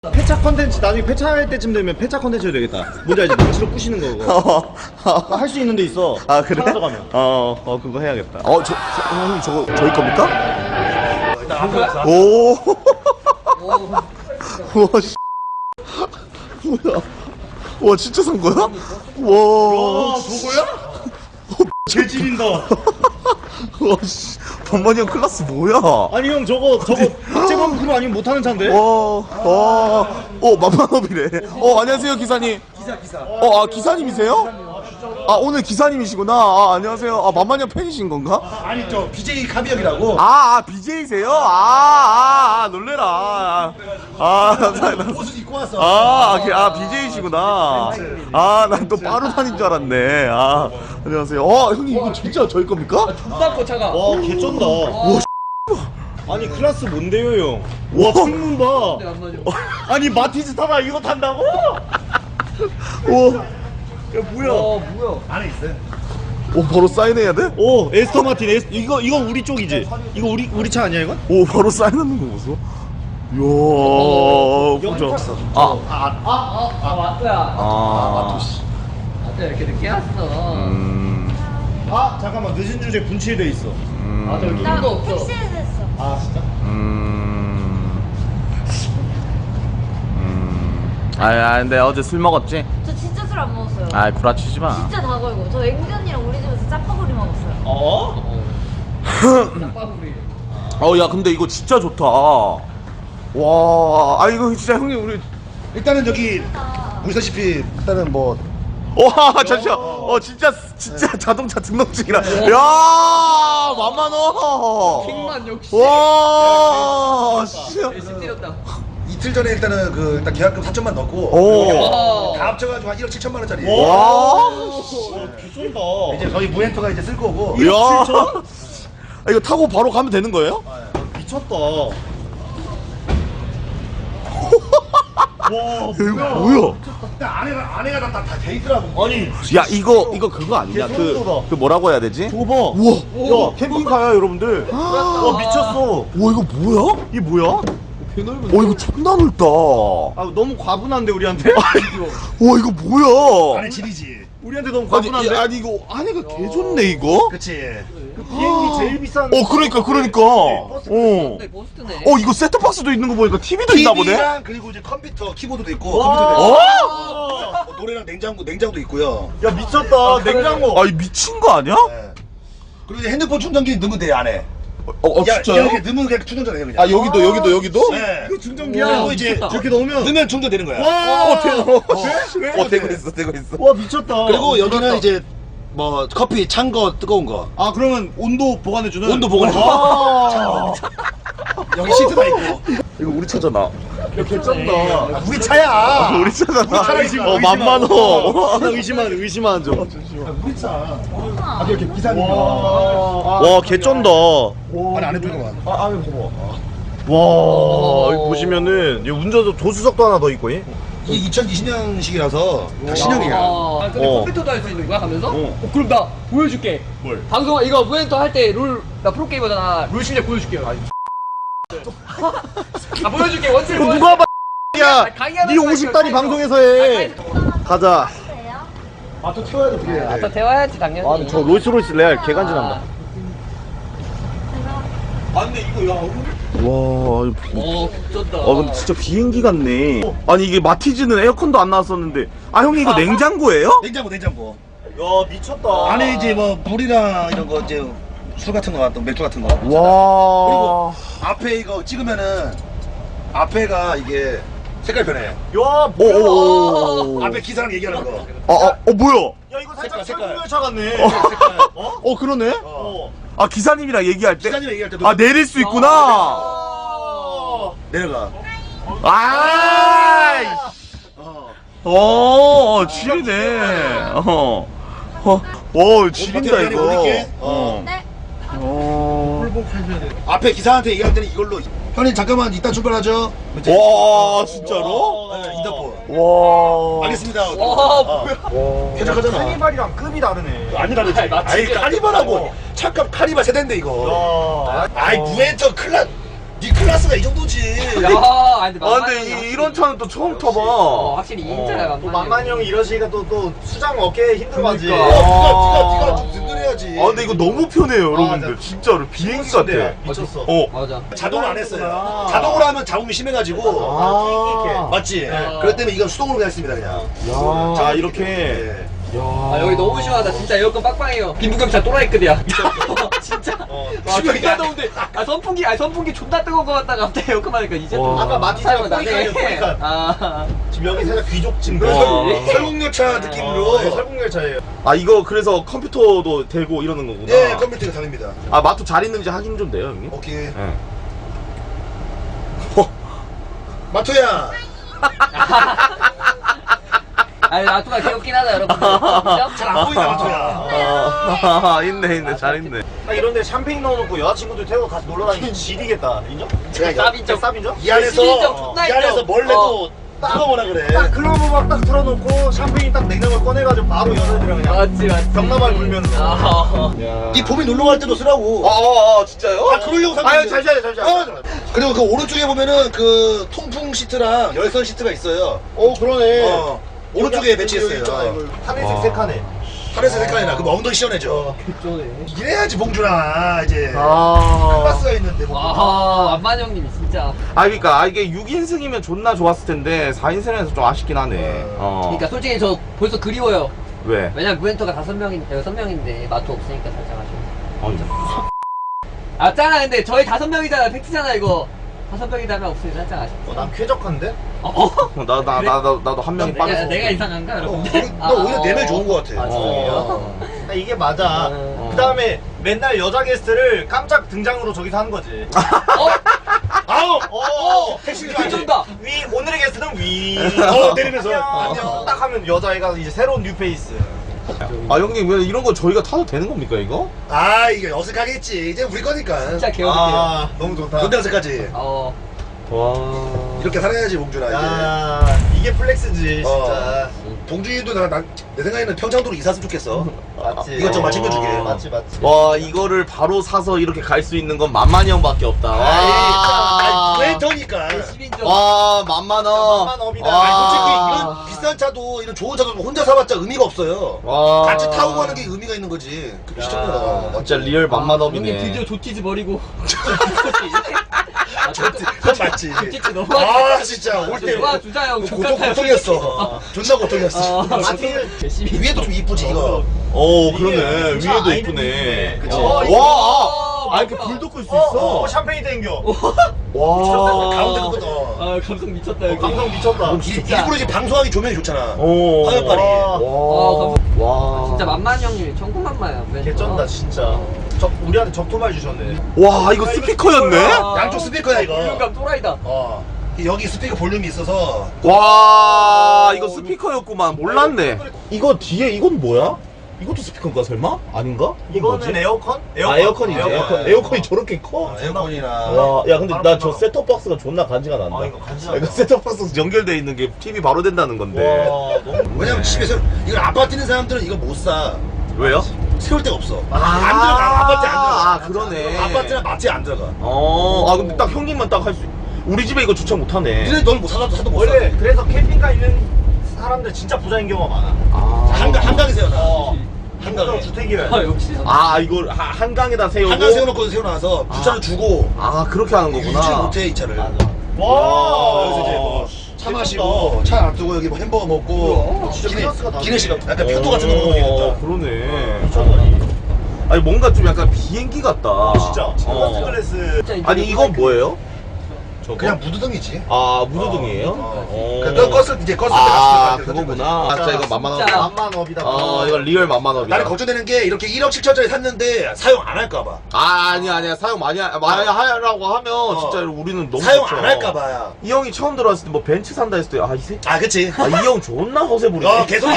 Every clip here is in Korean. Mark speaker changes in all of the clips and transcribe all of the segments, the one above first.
Speaker 1: 폐차 컨텐츠 나중에 폐차할 때쯤 되면 폐차 컨텐츠 해도 되겠다. 뭔지 알지? 망치로 부시는 거. 할 수 있는 데 있어.
Speaker 2: 아 그래?
Speaker 1: 가져가면.
Speaker 2: 그거 해야겠다. 형님 저거 저희 겁니까? 오. 와 씨. 뭐야? 와 진짜 산 거야? 와.
Speaker 1: 저거야? 개질인다.
Speaker 2: 와 씨. 범만이 형 클래스 뭐야?
Speaker 1: 아니 형 저거 박재범 그거 아니면 못하는 차인데?
Speaker 2: 만만업이래. 안녕하세요 기사님. 기사. 기사님이세요? 오늘 기사님이시구나. 안녕하세요. 만만이 형 팬이신 건가?
Speaker 3: 아니 저 BJ 카비형이라고.
Speaker 2: BJ세요? 놀래라. 감사합니다.
Speaker 3: 옷을 입고 왔어.
Speaker 2: BJ시구나. 난 또 빠루산인 줄 알았네. 안녕하세요. 형님 이거 진짜 저희 겁니까?
Speaker 4: 닦고 차가.
Speaker 1: 와 개쩐다. 아니 클래스 뭔데요 형? 와 창문 봐. 아니 마티즈 타다 이거 탄다고? 야 뭐야?
Speaker 4: 뭐야?
Speaker 3: 안에 있어요.
Speaker 2: 바로 사인해야 돼?
Speaker 1: 에스터 마틴 이거 우리 쪽이지? 이거 우리 차 아니야 이건?
Speaker 2: 바로 사인하는 거 보소. 이야, 보자.
Speaker 4: 맞다야.
Speaker 2: 마토씨.
Speaker 4: 맞다 이렇게 늦게 왔어.
Speaker 1: 잠깐만 늦은 주제 분칠돼 있어.
Speaker 4: 저기 길도 없어.
Speaker 5: 택시에 됐어.
Speaker 1: 아 진짜?
Speaker 2: 근데 어제 술 먹었지?
Speaker 5: 저 진짜 술 안 먹었어요.
Speaker 2: 구라치지 마.
Speaker 5: 진짜 다 걸고. 저 앵기 언니랑 우리 집에서 짜파구리 먹었어요.
Speaker 4: 짬바구리.
Speaker 2: 야, 근데 이거 진짜 좋다. 와, 이거 진짜 형님, 우리.
Speaker 3: 일단은 여기 보시다시피 일단은 뭐
Speaker 2: 와, 잠시만. 진짜 자동차 등록증이라. 야, 만만어.
Speaker 4: 킹만 역시.
Speaker 2: 와, 씨.
Speaker 4: 열심히 때렸다.
Speaker 3: 이틀 전에 일단은 일단 계약금 4천만 넣고
Speaker 2: 오.
Speaker 3: 다 합쳐가지고 한 1억 7천만 원짜리.
Speaker 2: 와.
Speaker 1: 개쩐다.
Speaker 3: 이제 저희 무엔터가 이제 쓸 거고.
Speaker 2: 야. 이거 타고 바로 가면 되는 거예요?
Speaker 1: 미쳤다.
Speaker 2: 이거 뭐야?
Speaker 3: 일단 안에가 다 돼 있더라고.
Speaker 1: 아니
Speaker 2: 야, 이거 그거 아니냐? 그 뭐라고 해야 되지?
Speaker 1: 저거 봐.
Speaker 2: 우와.
Speaker 1: 야 캠핑카야 여러분들. 와 미쳤어.
Speaker 2: 와, 이거 뭐야?
Speaker 1: 이게 뭐야?
Speaker 2: 이거 존나 넓다.
Speaker 1: 너무 과분한데 우리한테?
Speaker 2: 와, 이거 뭐야?
Speaker 3: 안에 질이지.
Speaker 1: 우리한테 너무
Speaker 2: 아니,
Speaker 1: 과분한데?
Speaker 2: 아니 이거 안에가 개 좋네 이거.
Speaker 3: 그렇지.
Speaker 1: 그 비행기 제일 비싼.
Speaker 2: 그러니까.
Speaker 4: 버스트네.
Speaker 2: 이거 세트박스도 있는 거 보니까 TV도 있나 보네.
Speaker 3: TV랑 그리고 이제 컴퓨터, 키보드도 있고
Speaker 1: 와.
Speaker 3: 컴퓨터도
Speaker 2: 어?
Speaker 3: 있고 노래랑 냉장고도 있고요.
Speaker 1: 야 미쳤다. 냉장고.
Speaker 2: 이 미친 거 아니야?
Speaker 3: 네. 그리고 이제 핸드폰 충전기 넣으면 돼 안에.
Speaker 2: 진짜요?
Speaker 3: 이렇게 넣으면 그냥 충전돼 그냥.
Speaker 2: 여기도?
Speaker 3: 네.
Speaker 1: 그 충전기야.
Speaker 3: 그리고 이제
Speaker 1: 저렇게 넣으면.
Speaker 3: 넣으면 충전되는 거야.
Speaker 2: 되고 있어.
Speaker 1: 와 미쳤다.
Speaker 3: 그리고 여기는 이제 뭐 커피 찬 거 뜨거운 거
Speaker 1: 그러면 온도 보관해주는.
Speaker 3: 온도 보관해.
Speaker 1: 와.
Speaker 3: 여기 시트가 있고.
Speaker 2: 이거 우리 차잖아.
Speaker 1: 개쩐다.
Speaker 3: 우리 차야.
Speaker 2: 우리 차잖아.
Speaker 1: 차라리
Speaker 2: 만만어.
Speaker 1: 의심한 좀.
Speaker 3: 우리 차. 이렇게 기사님.
Speaker 1: 와 개쩐다.
Speaker 3: 안에 들어가.
Speaker 1: 안에 봐봐. 와 여기 보시면은 여기 운전석 조수석도 하나 더 있고.
Speaker 3: 이게 2020년식이라서 다 신형이야.
Speaker 4: 근데
Speaker 1: 어.
Speaker 4: 컴퓨터도 할 수 있는 거야 가면서? 그럼 나 보여줄게.
Speaker 1: 뭘?
Speaker 4: 방송 이거 무엔터 할 때 나 프로게이머잖아. 룰 실력 보여줄게요. 보여줄게 원칙.
Speaker 1: 누가 봐? 야,
Speaker 4: 강의하는
Speaker 1: 네
Speaker 4: 거야,
Speaker 1: 50달이
Speaker 4: 이거.
Speaker 1: 방송에서 해. 가자.
Speaker 3: 또 태워야 돼.
Speaker 4: 아까 대화해야지 당연히.
Speaker 1: 저 로이스로이스 레알 개간지난다. 와,
Speaker 4: 미쳤다.
Speaker 1: 근데 진짜 비행기 같네. 아니 이게 마티즈는 에어컨도 안 나왔었는데. 형님 이거 냉장고예요?
Speaker 3: 냉장고.
Speaker 1: 야 미쳤다.
Speaker 3: 안에 이제 뭐 물이랑 이런 거 이제 술 같은 거 같은 맥주 같은 거.
Speaker 1: 와.
Speaker 3: 그리고 앞에 이거 찍으면은 앞에가 이게 색깔 변해.
Speaker 1: 야 뭐야?
Speaker 3: 앞에 기사랑 얘기하는 거.
Speaker 2: 뭐야?
Speaker 1: 야 이거 살짝
Speaker 3: 색깔.
Speaker 1: 철분열차 같네.
Speaker 2: 그러네.
Speaker 3: 어.
Speaker 2: 기사님이랑 얘기할 때.
Speaker 3: 기사님 얘기할 때도
Speaker 2: 내릴 수 있구나.
Speaker 3: 내려가.
Speaker 2: 지리네. 지린다
Speaker 3: 버튼
Speaker 2: 이거.
Speaker 3: 올릴게.
Speaker 5: 네.
Speaker 3: 앞에 기사한테 얘기할 때는 이걸로 형님 잠깐만 이따 출발하죠.
Speaker 2: 와, 진짜로?
Speaker 3: 네, 인터폰.
Speaker 2: 와.
Speaker 3: 알겠습니다.
Speaker 4: 와 뭐야?
Speaker 3: 쾌적하잖아.
Speaker 1: 카니발이랑 급이 다르네.
Speaker 3: 아니 다르지. 아이 카니발하고 차값 카니발 세대인데 이거. 아이 무엔터 클라. 니 클래스가 이 정도지.
Speaker 4: 야, 아니,
Speaker 2: 아 근데 이런 차는 또 처음 타봐.
Speaker 4: 확실히 인자야,
Speaker 1: 또 만만이 형이 이러시니까 또 수장 얻기 힘들어가지.
Speaker 2: 그러니까.
Speaker 3: 네가 좀 든든해야지.
Speaker 2: 아 근데 이거 너무 편해요 여러분들.
Speaker 1: 나-
Speaker 2: 진짜로 비행기 같아.
Speaker 1: 미쳤어.
Speaker 4: 맞아.
Speaker 3: 자동을 안 했어요. 자동으로 하면 자국이 심해가지고.
Speaker 1: 아,
Speaker 3: 맞지? 그렇기 때문에 이건 수동으로 그냥 했습니다 그냥.
Speaker 2: 자 이렇게.
Speaker 3: 네.
Speaker 4: 아, 여기 너무 시원하다. 진짜 에어컨 빵빵해요. 빈부격차 또라이급이야. 진짜. 아, 존나 더운데. 선풍기 존나 뜨거운 거 같다가 갑자기 에어컨 하니까 이제 좀.
Speaker 1: 아까 마티즈가
Speaker 4: 나네.
Speaker 1: 포이칸이에요, 포이칸.
Speaker 4: 아.
Speaker 1: 지금 여기 살짝 귀족 지금.
Speaker 3: 설국열차 느낌으로.
Speaker 1: 설국열차예요.
Speaker 2: 아 이거 그래서 컴퓨터도 되고 이러는 거구나.
Speaker 3: 예, 컴퓨터가 다릅니다.
Speaker 2: 아 마토 잘 있는지 확인 좀 돼요 형님?
Speaker 3: 오케이.
Speaker 2: 예.
Speaker 3: 마토야.
Speaker 4: 아니, 나투가 귀엽긴 하다, 여러분들.
Speaker 3: 잘 안 보인다 마토야.
Speaker 2: 아 있네 잘 있네.
Speaker 1: 딱 이런데 샴페인 넣어놓고 여자친구들 태우고 같이 놀러 다니면 지리겠다. 인정?
Speaker 4: 쌉인정.
Speaker 1: 쌉인정?
Speaker 3: 이 안에서
Speaker 4: 시민적 존나
Speaker 3: 이 안에서
Speaker 4: 인정.
Speaker 3: 뭘 내도 뜯어보라 그래.
Speaker 1: 딱 클럽 음악 딱 틀어놓고 샴페인 딱 냉장고에 꺼내가지고 바로 여자들이랑 그냥
Speaker 4: 맞지.
Speaker 1: 병나발 불면서.
Speaker 4: 아.
Speaker 3: 네 봄이 놀러 갈 때도 쓰라고.
Speaker 2: 진짜요?
Speaker 3: 아 그러려고 산
Speaker 2: 아유
Speaker 3: 건데.
Speaker 2: 잠시만요.
Speaker 3: 그리고 그 오른쪽에 보면은 그 통풍 시트랑 열선 시트가 있어요.
Speaker 1: 그러네.
Speaker 3: 오른쪽에 배치했어요.
Speaker 1: 하늘색 세 칸에.
Speaker 3: 하늘색 색깔이나 그럼 엉덩이 시원해져. 이래야지 봉준아 이제 클래스가 있는데 뭐.
Speaker 4: 와, 안만 형님이 진짜.
Speaker 2: 아 그러니까 이게 6인승이면 존나 좋았을 텐데 4인승에서 좀 아쉽긴 하네.
Speaker 4: 그러니까 솔직히 저 벌써 그리워요.
Speaker 2: 왜?
Speaker 4: 왜냐면 무엔터가 6명인데 마토 없으니까 살짝 아쉬워.
Speaker 2: 아니,
Speaker 4: 맞잖아. 근데 저희 5명이잖아. 팩트잖아 이거. 5명이다 하면 없으니 살짝 아쉽다.
Speaker 1: 난 쾌적한데?
Speaker 2: 나도 한 명이 빠졌어.
Speaker 4: 내가 이상한가 여러분?
Speaker 3: 너 오히려 내면 좋은 거 같아.
Speaker 4: 아, 진짜요?
Speaker 1: 아, 이게 맞아. 그 다음에 맨날 여자 게스트를 깜짝 등장으로 저기서 하는 거지. 아우! 택시를
Speaker 4: 괜찮다.
Speaker 1: 위, 오늘의 게스트는 위.
Speaker 3: 내리면서.
Speaker 1: 안녕. 딱 하면 여자애가 이제 새로운 뉴페이스.
Speaker 2: 아 형님 왜 이런 거 저희가 타도 되는 겁니까 이거?
Speaker 3: 아 이게 어색하겠지. 이제 우리 거니까.
Speaker 4: 진짜 개어색해요.
Speaker 1: 너무 좋다.
Speaker 3: 근데 어색하지.
Speaker 2: 와.
Speaker 3: 이렇게 살아야지 봉준아 이제.
Speaker 1: 야, 이게 플렉스지, 진짜.
Speaker 3: 봉준이도 내 생각에는 평창도로 이사했으면 좋겠어.
Speaker 1: 맞지.
Speaker 3: 이것저것 많이 챙겨주게.
Speaker 1: 맞지.
Speaker 2: 와 이거를 바로 사서 이렇게 갈 수 있는 건 만만이 형밖에 없다.
Speaker 3: 아, 왜 더니까.
Speaker 4: 10인정.
Speaker 2: 와 만만어.
Speaker 1: 만만업이다.
Speaker 3: 아니 솔직히 이런 비싼 차도 이런 좋은 차도 혼자 사봤자 의미가 없어요.
Speaker 2: 와.
Speaker 3: 같이 타고 가는 게 의미가 있는 거지. 그게 시청자가.
Speaker 2: 진짜 리얼
Speaker 4: 형님
Speaker 2: 만만업이네.
Speaker 4: 드디어 조티즈 버리고.
Speaker 3: 그건 맞지.
Speaker 4: 조티즈 너무.
Speaker 3: 아 진짜 올 때
Speaker 4: 와 주자 형.
Speaker 3: 고통이었어. 존나 고통이었어. 위에도 좀 이쁘지 이거.
Speaker 2: 그러네.
Speaker 1: 이게
Speaker 2: 위에도
Speaker 1: 진짜
Speaker 2: 이쁘네.
Speaker 1: 그치.
Speaker 2: 와. 이렇게 불도 끌 수 있어.
Speaker 1: 샴페인 땡겨.
Speaker 2: 와.
Speaker 3: 가운데 그거.
Speaker 4: 아 감성 미쳤다 여기.
Speaker 1: 감성 미쳤다.
Speaker 3: 일부러 지금 방송하기 조명이 좋잖아. 화면빨이.
Speaker 2: 와.
Speaker 4: 진짜 만만 형님이 천국만마야.
Speaker 1: 개쩐다, 진짜. 우리한테 적토말 주셨네.
Speaker 2: 와 이거 스피커였네?
Speaker 3: 양쪽 스피커야 이거.
Speaker 4: 볼륨감 또라이다.
Speaker 3: 여기 스피커 볼륨이 있어서.
Speaker 2: 와 이거 스피커였구만. 몰랐네. 이거 뒤에 이건 뭐야? 이것도 스피커인가 설마? 아닌가?
Speaker 1: 이거는 에어컨?
Speaker 2: 에어컨이지. 에어컨이 저렇게 커?
Speaker 3: 에어컨이나.
Speaker 2: 와, 야 근데 나 저 셋톱박스가 존나 간지가 난다.
Speaker 1: 이거 간지나다.
Speaker 2: 이거 셋톱박스 연결돼 있는 게 TV 바로 된다는 건데.
Speaker 1: 와, 너무.
Speaker 3: 왜냐면 집에서 이걸 아파트 있는 사람들은 이거 못 사.
Speaker 2: 왜요?
Speaker 3: 세울 데가 없어. 안 들어가. 아파트에 안 들어가.
Speaker 2: 아 그러네.
Speaker 3: 아파트나 마트에 안 들어가.
Speaker 2: 아 근데 딱 형님만 딱 할 수. 우리 집에 이거 주차 못하네.
Speaker 3: 니네 넌 못 사도 못 사.
Speaker 1: 원래 그래서 캠핑카 있는 사람들 진짜 부자인 경우가 많아.
Speaker 3: 한강에 세워놔. 한강에.
Speaker 1: 주택이래.
Speaker 4: 아 역시.
Speaker 2: 아 이걸 한강에다 세우고.
Speaker 3: 한강 세워놓고 세워놔서 주차를 주고.
Speaker 2: 아 그렇게 하는
Speaker 3: 유지
Speaker 2: 거구나.
Speaker 3: 못해 이 차를.
Speaker 1: 와,
Speaker 3: 여기서 이제 뭐 차 마시고 차 놔두고 여기 뭐 햄버거 먹고
Speaker 1: 진짜 클래스가 다르네.
Speaker 3: 기내식 약간 편도 같은 거 먹으면 되겠다.
Speaker 2: 그러네. 아니 뭔가 좀 약간 비행기 같다.
Speaker 1: 진짜. 퍼스트 클래스.
Speaker 2: 아니 이건 뭐예요? 저거?
Speaker 3: 그냥 무드등이지.
Speaker 2: 아 무드등이에요?
Speaker 3: 그러니까 껐을 때
Speaker 2: 아
Speaker 3: 껐을 때
Speaker 2: 그거구나. 진짜 이거 만만하다.
Speaker 4: 진짜.
Speaker 1: 만만업이다.
Speaker 2: 이거 리얼 만만업이다.
Speaker 3: 나는 걱정되는 게 이렇게 1억 7천짜리 샀는데 사용 안 할까봐.
Speaker 2: 아니야 사용 많이 하라고 하면 진짜 우리는 너무
Speaker 3: 사용
Speaker 2: 좋죠.
Speaker 3: 안 할까봐야.
Speaker 2: 이 형이 처음 들어왔을 때 뭐 벤츠 산다 했을 때 이 새끼
Speaker 3: 아 그치.
Speaker 2: 이 형 존나 허세 부리네.
Speaker 3: 개소리지.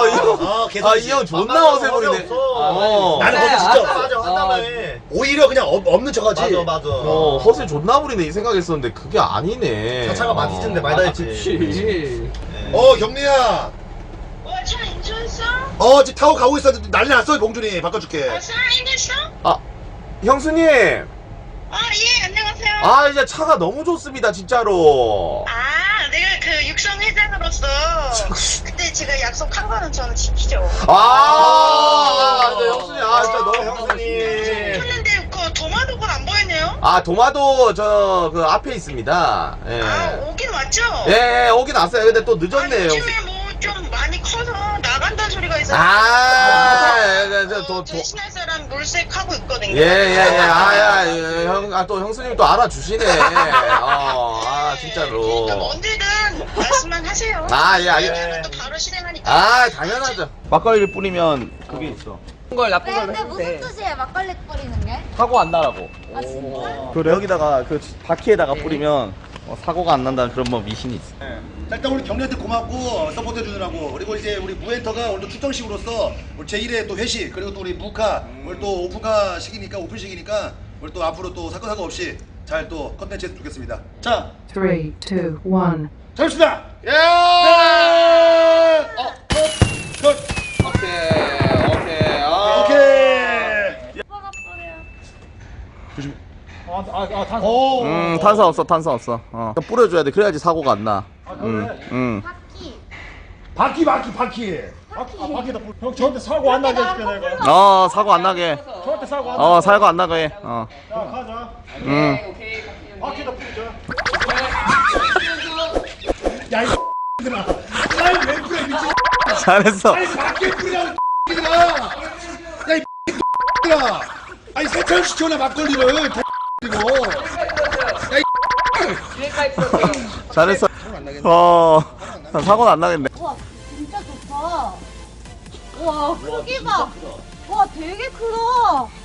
Speaker 2: 이 형 존나 허세 부리네.
Speaker 3: 나는 거기 진짜
Speaker 1: 맞아, 한다음에.
Speaker 3: 오히려 그냥 없는 척하지.
Speaker 1: 맞아.
Speaker 2: 허세 존나 부리네 이 생각했었는데 그게 아니네.
Speaker 1: 자차가 마티즈인데 말다 했지.
Speaker 4: 그치.
Speaker 3: 경리야.
Speaker 6: 차 인수했어?
Speaker 3: 지금 타고 가고 있어. 난리 났어 봉준이 바꿔줄게.
Speaker 6: 살아있겠어?
Speaker 2: 형수님.
Speaker 6: 예, 안녕하세요. 안녕하세요.
Speaker 2: 아 이제 차가 너무 좋습니다 진짜로.
Speaker 6: 아, 내가 그 육성 회장으로서 그때 제가 약속한 거는 저는 지키죠.
Speaker 2: 네, 형수님 진짜 너무 형수님.
Speaker 6: 했는데 그 도마도가 안 보이네요.
Speaker 2: 아 도마도 저 그 앞에 있습니다. 예.
Speaker 6: 아, 오긴 왔죠.
Speaker 2: 예, 오긴 왔어요. 근데 또 늦었네요.
Speaker 6: 요즘에 뭐 좀 많이 커서 나간다는 소리가 있어서. 대신할 사람 물색하고 있거든요.
Speaker 2: 또 형수님 또 알아주시네. 진짜로.
Speaker 6: 그러니까 언제든 말씀만 하세요.
Speaker 2: 예.
Speaker 6: 또 바로 실행하니까.
Speaker 2: 당연하죠. 막걸리를 뿌리면 그게 있어.
Speaker 4: 나쁜 걸
Speaker 5: 근데 무슨 뜻이에요? 막걸리 뿌리는 게?
Speaker 4: 사고 안 나라고.
Speaker 5: 아 진짜?
Speaker 2: 그래 여기다가 그 바퀴에다가 뿌리면 사고가 안 난다는 그런 뭐 미신이 있어.
Speaker 3: 자, 일단 우리 경리한테 고맙고 서포트 해주느라고. 그리고 이제 우리 무엔터가 오늘 또 출정식으로서 우리 제1회 또 회식, 그리고 또 우리 무카 오늘 또 오픈식이니까 오늘 또 앞으로 또 사건 사고 없이 잘 또 컨텐츠 했으면 좋겠습니다. 자,
Speaker 7: 3, 2, 1.
Speaker 3: 잘했습니다.
Speaker 2: 예!
Speaker 3: 굿.
Speaker 2: 오케이.
Speaker 3: 오케이.
Speaker 5: 오빠가 뿌려.
Speaker 2: 탄산 없어. 뿌려줘야 돼. 그래야지 사고가 안 나.
Speaker 5: 바퀴.
Speaker 3: 바퀴다.
Speaker 8: 형 저한테 사고 안 나게 해줄게 내가.
Speaker 2: 사고 안 나게.
Speaker 8: 저한테 사고 안 나게.
Speaker 2: 사고 안 나게.
Speaker 8: 자 가자.
Speaker 4: 오케이.
Speaker 8: 바퀴다 뿌리자.
Speaker 3: 야, 이 X들아. 나왜 그래, 미친.
Speaker 2: 잘했어.
Speaker 3: 바퀴에 뿌리라고, X들아. 야, 이 X들아. 아니, 세차를 시켜놔, 막걸리를. 그리고.
Speaker 2: 잘했어. 사고는 안 나겠네.
Speaker 5: 와 진짜 좋다. 와 크기 봐. 와 되게 크다.